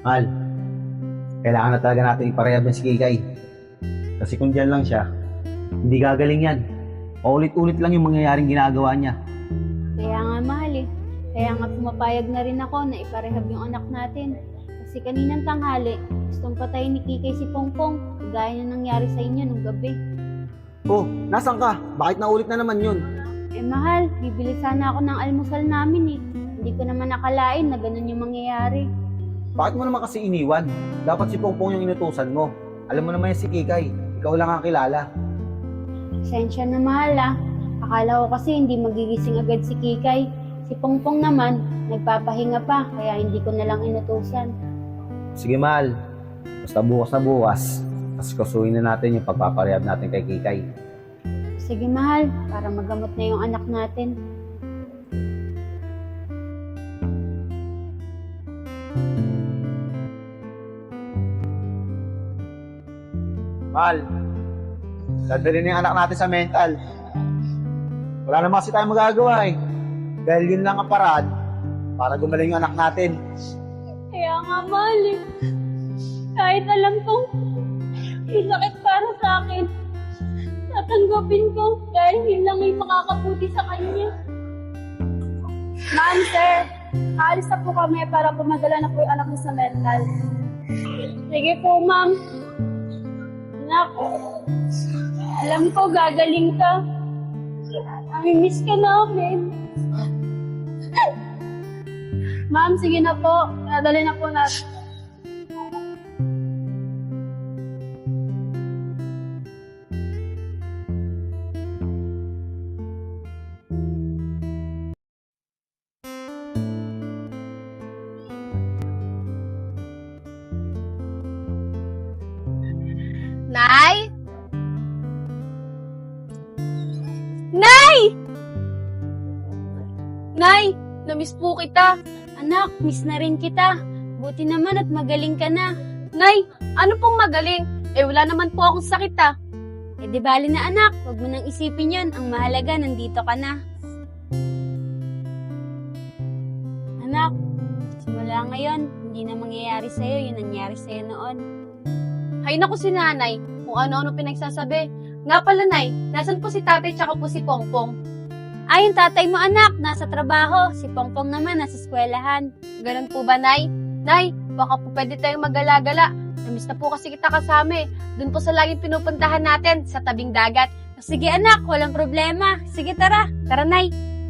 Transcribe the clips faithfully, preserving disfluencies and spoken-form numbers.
Mahal, kailangan na talaga natin iparehab ng si Kikay. Kasi kung dyan lang siya, hindi gagaling yan. Paulit-ulit lang yung mangyayaring ginagawa niya. Kaya nga mahal eh. Kaya nga pumapayag na rin ako na iparehab yung anak natin. Kasi kaninang tanghali, gustong patayin ni Kikay si Pongpong. Kagaya na nangyari sa inyo nung gabi. Oh, nasan ka? Bakit naulit na naman yun? Eh mahal, bibili sana ako ng almusal namin eh. Hindi ko naman nakalain na ganun yung mangyayari. Bakit mo naman kasi iniwan? Dapat si Pongpong yung inutusan mo. Alam mo naman yan si Kikay. Ikaw lang ang kilala. Pasensya na mahal ah. Akala ko kasi hindi magigising agad si Kikay. Si Pongpong naman, nagpapahinga pa, kaya hindi ko na lang inutusan. Sige, mahal. Basta bukas na bukas, mas kasuhin na natin yung pagpaparehab natin kay Kikay. Sige mahal, para magamot na yung anak natin. Mahal, dadalhin na yung anak natin sa mental. Wala naman kasi tayong magagawa eh. Dahil yun lang ang paraan para gumaling yung anak natin. Kaya nga mahal eh. Kahit alam kong masakit para sa akin, tatanggapin ko dahil yun lang ay makakabuti sa kanya. Ma'am, sir, aalis na po kami para pumadala na po yung anak niyo sa mental. Sige po ma'am. Anak, alam ko gagaling ka. Namimiss ka namin. Ma'am, sige na po. Nadali na po natin. Nay? Nay! Nay, namiss po kita. Anak, miss na rin kita. Buti naman at magaling ka na. Nay, ano pong magaling? Eh wala naman po akong sakit ah. Eh di bali na anak, huwag mo nang isipin yun. Ang mahalaga, nandito ka na. Anak, simula ngayon, hindi na mangyayari sa'yo yung nangyari sa'yo noon. Hay naku si nanay, kung ano-ano pinagsasabi. Nga pala nay, nasan po si tatay tsaka po si Pongpong? Ay, yung tatay mo anak, nasa trabaho. Si Pongpong naman, nasa eskwelahan. Ganun po ba nay? Nay, baka po pwede tayong magala-gala. Namiss na po kasi kita kasama eh. Doon po sa laging pinupuntahan natin, sa tabing dagat. Sige anak, walang problema. Sige tara, Tara nay.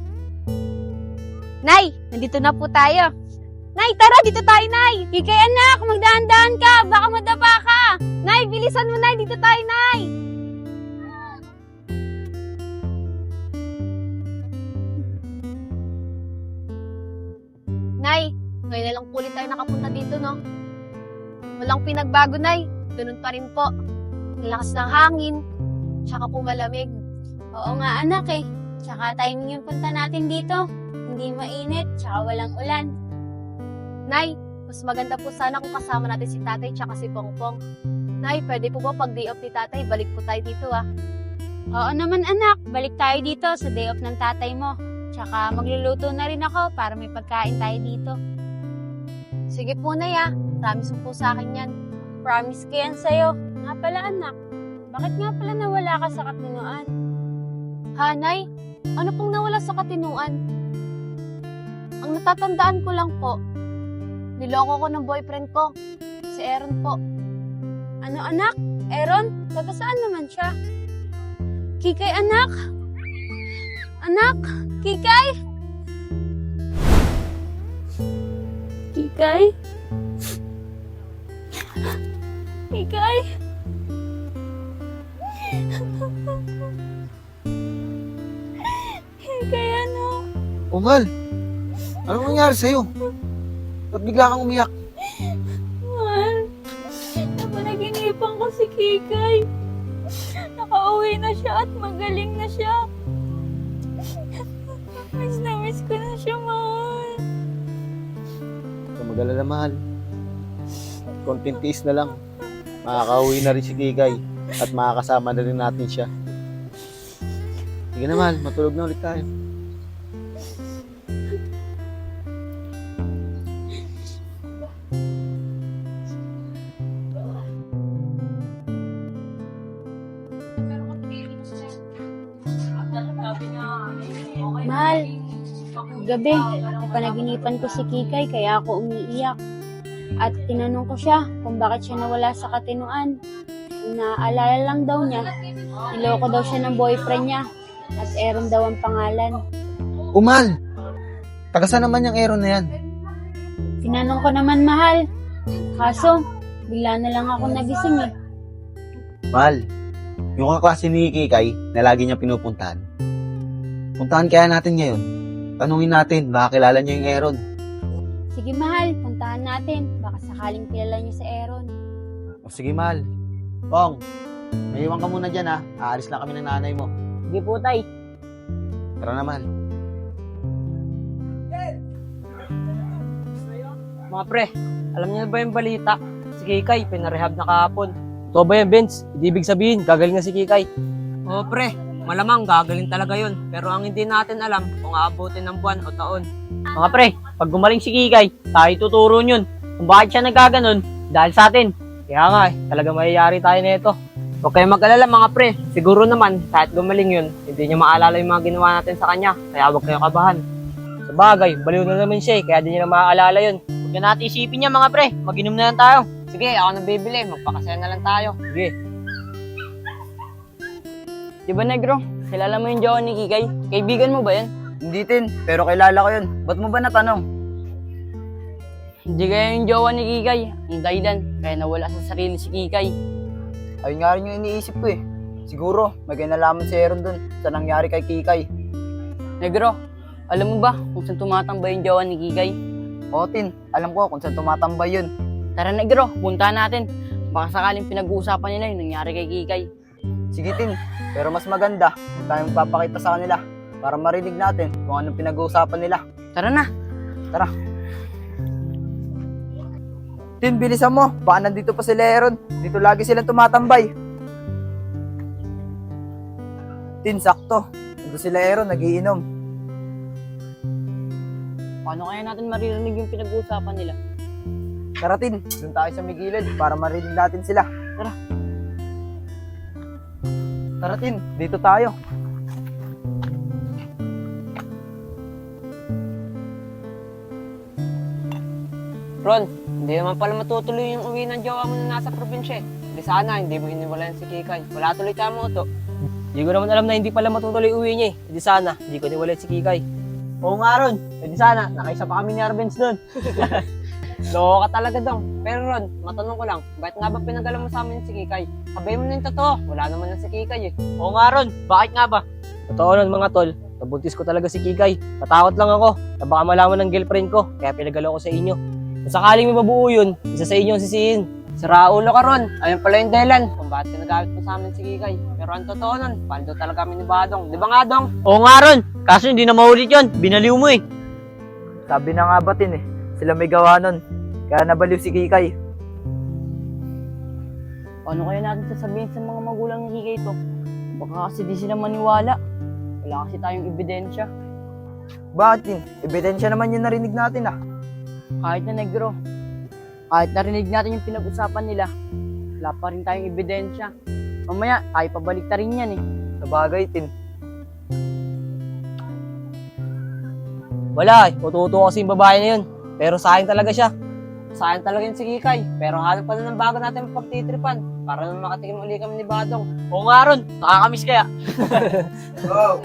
Nay, nandito na po tayo. Nay, tara, dito tayo nay. Kikay anak, magdahan-dahan ka, baka madapa ka. Nay, bilisan mo nay, dito tayo nay. Nay, ngayon na lang po ulit tayo nakapunta dito, no? Walang pinagbago, Nay. Ganun pa rin po. Ang lakas ng hangin, tsaka po malamig. Oo nga anak eh. Tsaka timing yung punta natin dito. Hindi mainit, tsaka walang ulan. Nay, mas maganda po sana kung kasama natin si tatay tsaka si Pongpong. Nay, pwede po ba pag day off ni tatay, balik po tayo dito ah. Oo naman anak, balik tayo dito sa day off ng tatay mo. Tsaka magluluto na rin ako para may pagkain tayo dito. Sige po, Nay ah. Promise mo po sa akin yan. Promise ko yan sa'yo. Nga pala anak, bakit nga pala nawala ka sa katinuan? Ha, Nay? Ano pong nawala sa katinuan? Ang natatandaan ko lang po, niloko ko ng boyfriend ko, si Aaron po. Ano anak? Aaron? Taga saan naman siya? Kikay anak? Anak? Kikay? Kikay? Kikay? Kikay ano? Oh, mahal. Anong nangyari sa'yo? Ba't bigla kang umiyak? Mahal, napanaginipan ko si Kikay. Nakauwi na siya at magaling na siya. Miss na miss ko na siya, mahal. Huwag kang mag-alala, mahal. Konting tiis na lang. Makakauwi na rin si Kikay at makakasama na rin natin siya. Sige na, mahal. Matulog na ulit tayo. Gabi, napanaginipan ko si Kikay kaya ako umiiyak. At tinanong ko siya kung bakit siya nawala sa katinuan. Naalala lang daw niya, niloko daw siya ng boyfriend niya at Aaron daw ang pangalan. Umal! Taga saan naman yung Aaron na yan? Tinanong ko naman, mahal. Kaso, bigla na lang ako nagising eh. Mal, yung kaklase ni Kikay na lagi niya pinupuntahan. Puntahan kaya natin ngayon. Tanungin natin, baka kilala niya yung Aaron. Sige mahal, puntahan natin. Baka sakaling kilala niyo si Aaron. O sige, Mal. Pong, may iwan ka muna dyan ha. Aalis lang kami ng nanay mo. Sige po, tay. Tara na, Mal. Mga pre, alam niyo na ba yung balita? Si Kikay, pinarehab na kahapon. Ito ba yan, Benz? Hindi ibig sabihin, gagaling na si Kikay. Oo, pre. Malamang gagaling talaga yun. Pero ang hindi natin alam kung aabutin ng buwan o taon. Mga pre, pag gumaling si Kikay, tayo tuturo yun. Kung bakit siya nagkaganon, dahil sa atin. Kaya nga eh, talaga mayayari tayo nito. Huwag kayong mag-alala mga pre. Siguro naman, kahit gumaling yun, hindi niya maalala yung mga ginawa natin sa kanya. Kaya huwag kayong kabahan. Sa bagay, baliw na naman siya eh, kaya di niya na maaalala yun. Huwag na natin isipin niya mga pre. Mag-inom na lang tayo. Sige, ako na bibili. Magpakasaya na lang tayo. Sige. Di ba, Negro? Kilala mo yung jowa ni Kikay? Kaibigan mo ba yan? Hindi tin, pero kilala ko yun. Ba't mo ba natanong? Hindi kaya yung jowa ni Kikay. Yung dahilan, kaya nawala sa sarili si Kikay. Ayun nga rin yung iniisip ko eh. Siguro, may kinalaman si Aaron dun sa nangyari kay Kikay. Negro, alam mo ba kung saan tumatambay yung jowa ni Kikay? Oo tin, alam ko kung saan tumatambay yun. Tara, Negro, puntahan natin. Baka sakaling pinag-uusapan nila yung nangyari kay Kikay. Sige tin, pero mas maganda kung tayo magpapakita sa kanila para marinig natin kung anong pinag-uusapan nila. Tara na. Tara. Tin, bilisan mo. Baka nandito pa sila Aaron. Dito lagi silang tumatambay. Tin, sakto. Nandito sila Aaron, nagiinom. Paano kaya natin maririnig yung pinag-uusapan nila? Tara tin, dun tayo sa may gilid para marinig natin sila. Tara. Tara tin, dito tayo. Ron, hindi naman pala matutuloy yung uwi ng jowa mo na nasa probinsya eh. Hindi sana, hindi mo iniwalayan si Kikay. Wala tuloy ka mo ito. Hindi ko naman alam na hindi pala matutuloy uwi niya eh. Hindi sana, hindi ko iniwalayan si Kikay. Oo nga Ron, hindi sana, nakaisa pa kami ni Arbenz doon. Loko ka talaga dong. Pero Ron, matanong ko lang, bakit nga ba pinagalan mo sa amin si Kikay? Sabihin mo na yung totoo, wala naman na si Kikay eh. Oo nga Ron, bakit nga ba? Totoo nun mga tol, nabuntis ko talaga si Kikay. Natakot lang ako, na baka malaman ng girlfriend ko, kaya pinagalaw ko sa inyo. Kung sakaling may mabuo yun, isa sa inyo ang sisihin. Sira ulo ka Ron, ayun pala yung dahilan kung bakit pinagamit mo sa amin si Kikay. Pero ang totoo nun, paldo talaga kami ni Badong. Di ba nga Dong? Oo nga Ron, kaso hindi na maulit yun, binaliw mo eh. Sabi na nga ba tin eh, sila may gawa nun. Kaya nabaliw si Kikay. Paano kaya natin sasabihin sa mga magulang ni Kikay to? Baka kasi di sila maniwala. Wala kasi tayong ebidensya. Bakit tin? Ebidensya naman yung narinig natin ah. Kahit na Negro, kahit narinig natin yung pinag-usapan nila, wala pa rin tayong ebidensya. Mamaya, tayo pabalik ta rin yan eh. Sabagay tin. Wala eh, ututo kasi yung babae na yun. Pero sayang talaga siya. Sayang talaga yun si Kikay. Pero hanap pa na ng bago natin pagtitripan. Para naman makatikim uli kami ni Badong. Oo nga Ron, nakakamiss kaya. Wow.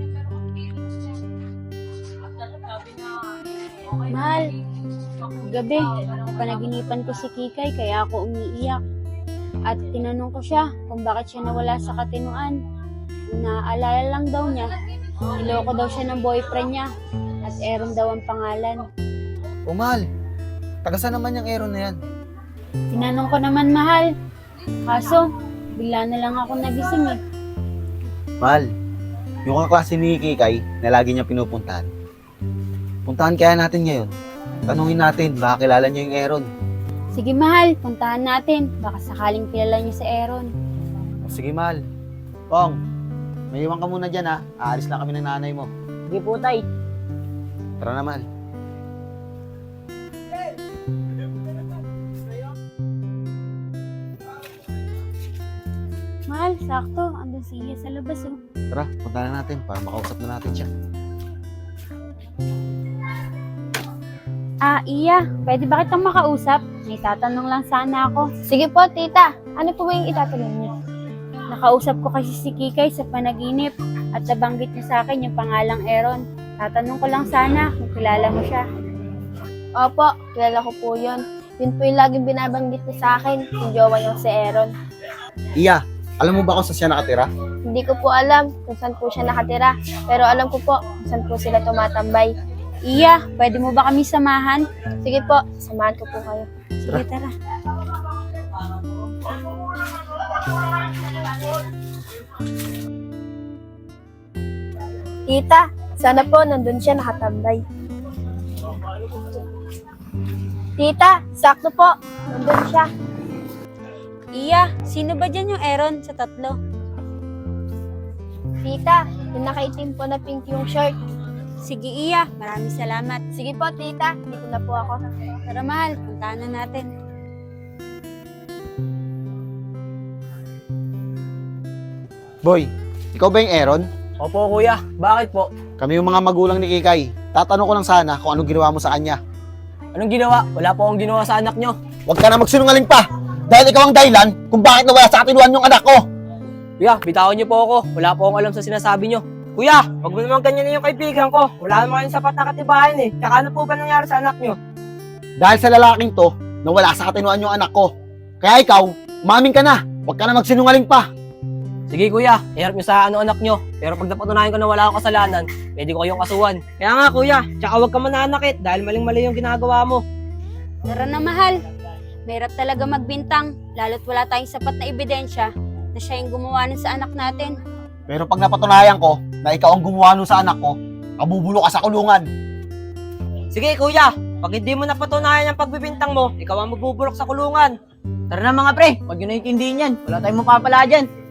Mahal, gabi, napanaginipan ko si Kikay kaya ako umiiyak. At tinanong ko siya kung bakit siya nawala sa katinuan. Naalala lang daw niya, niloko daw siya ng boyfriend niya at Aaron daw ang pangalan. Umal! Taga saan naman yung Aaron na yan? Tinanong ko naman, mahal. Kaso, bigla na lang ako nagising eh. Mal, yung kaklase ni Kikay na lagi niya pinupuntahan. Puntahan kaya natin ngayon. Tanungin natin, baka kilala niya yung Aaron. Sige mahal, puntahan natin. Baka sakaling kilala niya si Aaron. O sige, Mal. Pong, may iwan ka muna dyan ha. Aalis lang kami ng nanay mo. Sige po tay. Tara na, Mal. Mahal, sakto. Andun si Iya sa labas oh. Tara, punta na natin para makausap na natin siya. Ah, Iya, pwede ba kitang makausap? May tatanong lang sana ako. Sige po, tita. Ano po ba yung itatanong niyo? Nakausap ko kasi si Kikay sa panaginip at nabanggit niya sa akin yung pangalang Aaron. Tatanong ko lang sana kung kilala mo siya. Opo, kilala ko po yun. Yun po yung laging binabanggit niya sa akin, yung jowa niya si Aaron. Iya, alam mo ba kung saan siya nakatira? Hindi ko po alam kung saan po siya nakatira, pero alam ko po kung saan po sila tumatambay. Iya, pwede mo ba kami samahan? Sige po, samahan ko po kayo. Sige, tara. Tita, sana po nandun siya nakatambay. Tita, sakto po. Nandun siya. Iya, sino ba dyan yung Aaron sa tatlo? Tita, yung nakaitim po na pink yung shirt. Sige, Iya, maraming salamat. Sige po, tita. Dito na po ako. Tara, mahal, puntahan na natin. Boy, ikaw ba yung Aaron? Opo kuya, bakit po? Kami yung mga magulang ni Kikay. Tatanong ko lang sana kung anong ginawa mo sa kanya. Anong ginawa? Wala po akong ginawa sa anak nyo. Huwag ka na magsinungaling pa! Dahil ikaw ang dahilan kung bakit nawala sa katinuan yung anak ko! Kuya, bitawan niyo po ako. Wala po akong alam sa sinasabi niyo. Kuya, wag mo naman ganyan na yung kaibigan ko. Wala naman kayong sapat na katibayan eh. Tsaka ano po ba nangyari sa anak nyo? Dahil sa lalaking to, nawala sa katinuan yung anak ko. Kaya ikaw, umamin ka na! Huwag ka na magsinungaling pa! Sige kuya, iharap niyo sa ano anak nyo. Pero pag napatunayan ko na wala akong kasalanan, pwede ko kayong kasuhan. Kaya nga kuya, tsaka huwag ka mananakit dahil maling-mali yung ginagawa mo. Tara na, mahal. Mahirap talaga magbintang, lalo't wala tayong sapat na ebidensya na siya yung gumawa nun sa anak natin. Pero pag napatunayan ko na ikaw ang gumawa nun sa anak ko, kabubulo ka sa kulungan. Sige kuya, pag hindi mo napatunayan ang pagbibintang mo, ikaw ang magbubulok sa kulungan. Tara na mga pre, huwag nyo naiintindihin yan. Wala tayong mapapala dyan.